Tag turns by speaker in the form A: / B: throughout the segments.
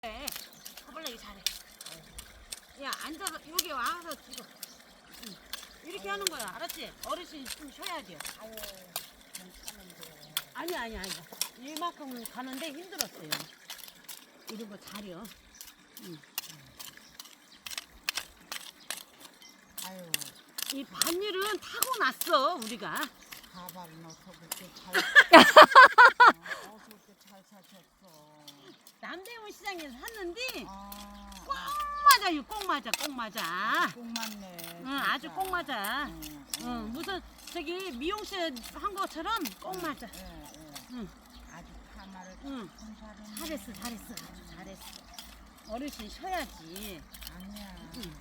A: 해. 가볼래기 잘해. 야, 앉아서 여기 와서 찍어. 응. 이렇게 하는 거야. 알았지? 어르신이 좀 쉬어야 돼요.
B: 아유, 괜찮은데.
A: 아니야. 이만큼 가는데 힘들었어요. 이런 거 잘해요. 응.
B: 아유,
A: 이 반일은 타고났어, 우리가.
B: 가발은 어떻게 잘, 어떻게 잘 사셨어.
A: 남대문 시장에서 샀는데
B: 아,
A: 꼭 맞아요. 꼭 맞아.
B: 꼭 맞네.
A: 응, 아주 꼭 맞아.
B: 응.
A: 무슨 저기 미용실 한 것처럼 꼭 맞아. 응.
B: 아주 파마를
A: 응.
B: 잘했네.
A: 잘했어. 아주 잘했어. 어르신 쉬어야지.
B: 아니야.
A: 응.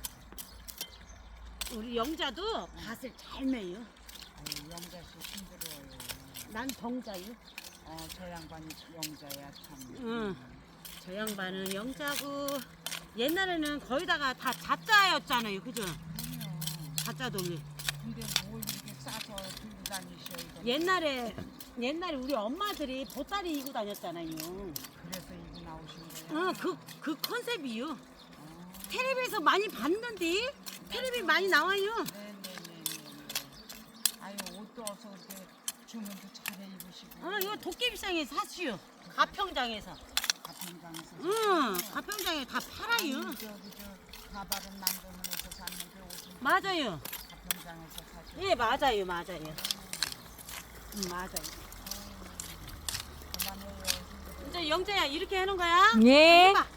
A: 우리 영자도 밭을 잘 매요.
B: 아유, 영자씨 힘들어요.
A: 난 정자요.
B: 저 양반이 영자야 참.
A: 응. 저 양반은 영자고 옛날에는 거의다가 다 자자였잖아요. 그죠?
B: 그럼요.
A: 자자 돌리.
B: 근데 뭘 이렇게 싸서 들고 다니셔 이거.
A: 옛날에 우리 엄마들이 보따리 이고 다녔잖아요.
B: 그래서 이거 나오신 거예요?
A: 응, 그 컨셉이요.
B: 어.
A: 텔레비에서 많이 봤는데 텔레비 많이 나와요.
B: 네네네네. 아유, 옷도 어서 이렇게 주문도 잘해 입으시고.
A: 이거 도깨비시장에서 샀슈. 가평장에서.
B: 가평장에서.
A: 응, 가평장에 다 팔아요.
B: 아니, 저 가발은 남대문에서 샀는데 옷은
A: 맞아요.
B: 가평장에서 사셨어요.
A: 예, 맞아요. 맞아요.
B: 그만해요.
A: 이제 영재야 이렇게 하는 거야?
C: 예.
A: 해봐.